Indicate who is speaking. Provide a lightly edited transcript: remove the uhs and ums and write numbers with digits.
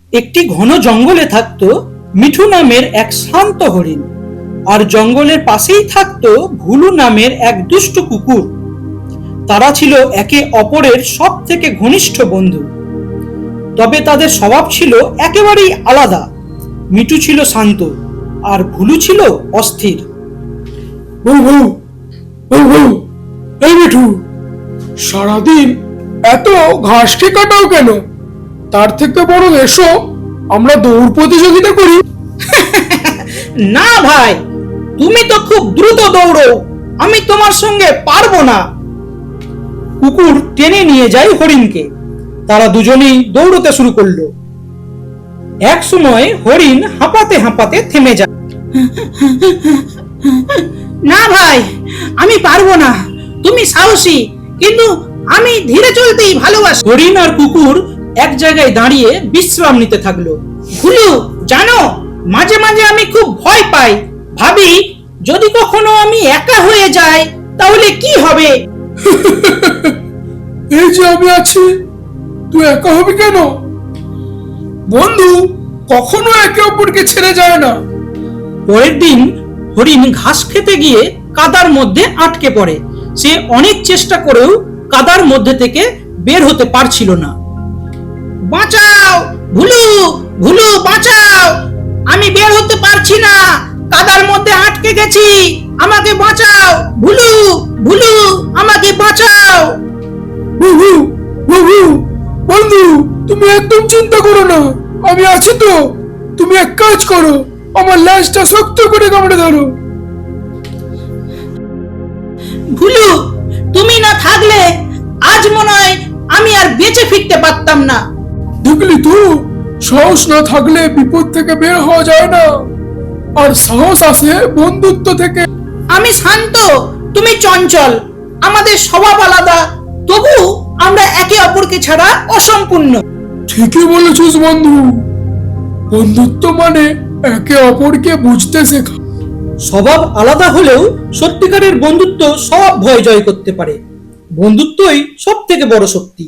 Speaker 1: একটি ঘন জঙ্গলে থাকত মিঠু নামের এক শান্ত হরিণ, আর জঙ্গলের পাশেই থাকত ভুলু নামের এক দুষ্ট কুকুর। তারা ছিল একে অপরের সব থেকে ঘনিষ্ঠ বন্ধু। তবে তাদের স্বভাব ছিল একেবারেই আলাদা। মিঠু ছিল শান্ত আর ভুলু ছিল অস্থির।
Speaker 2: বউ বউ বউ বউ, এই মিঠু, সারাদিন এত ঘাসকে কাটাও কেন? তার থেকে বরং এসো আমরা দৌড় প্রতিযোগিতা করি।
Speaker 1: না ভাই, তুমি তো খুব দ্রুত দৌড়ো, আমি তোমার সঙ্গে পারবো না। কুকুর টেনে নিয়ে যায় হরিণকে। তারা দুজনেই দৌড়তে শুরু করলো। এক সময় হরিণ হাঁপাতে হাঁপাতে থেমে যায়। না ভাই, আমি পারবো না, তুমি সাহসী, কিন্তু আমি ধীরে চলতেই ভালোবাসি। হরিণ আর কুকুর এক জায়গায় দাঁড়িয়ে বিশ্রাম নিতে থাকলো। ভুলু, জানো, মাঝে মাঝে আমি খুব ভয় পাই। ভাবি, যদি কখনো আমি একা হয়ে যাই তাহলে কি হবে?
Speaker 2: এই যে আমি আছি, তুই একা হবি কেন? বন্ধু কখনো একে অপরকে ছেড়ে যায় না।
Speaker 1: পরের দিন হরিণ ঘাস খেতে গিয়ে কাদার মধ্যে আটকে পড়ে। সে অনেক চেষ্টা করেও কাদার মধ্যে থেকে বের হতে পারছিল না। বাঁচাও ভুলু, ভুলু বাঁচাও, আমি বের হতে পারছি না, কাদার মধ্যে আটকে গেছি, আমাকে বাঁচাও ভুলু, ভুলু আমাকে বাঁচাও।
Speaker 2: বুবু বুবু, বন্ধু তুমি একদম চিন্তা করো না, আমি আছি তো। তুমি এক কাজ করো, আমার ল্যাজটা শক্ত করে কামড়ে ধরো।
Speaker 1: ভুলু, তুমি না থাকলে আজ মনে হয় আমি আর বেঁচে ফিরতে পারতাম না।
Speaker 2: দেখলি তো, সাহস না থাকলে বিপদ থেকে বের হওয়া যায় না, আর সাহস আসে বন্ধুত্ব থেকে।
Speaker 1: আমি শান্ত, তুমি চঞ্চল, আমাদের স্বভাব আলাদা, তবু আমরা একে অপরকে ছাড়া অসম্পূর্ণ।
Speaker 2: ঠিকই বলেছিস বন্ধু, বন্ধুত্ব মানে একে অপরকে বুঝতে শেখা।
Speaker 1: স্বভাব আলাদা হলেও সত্যিকারের বন্ধুত্ব সব ভয় জয় করতে পারে। বন্ধুত্বই সব থেকে বড় শক্তি।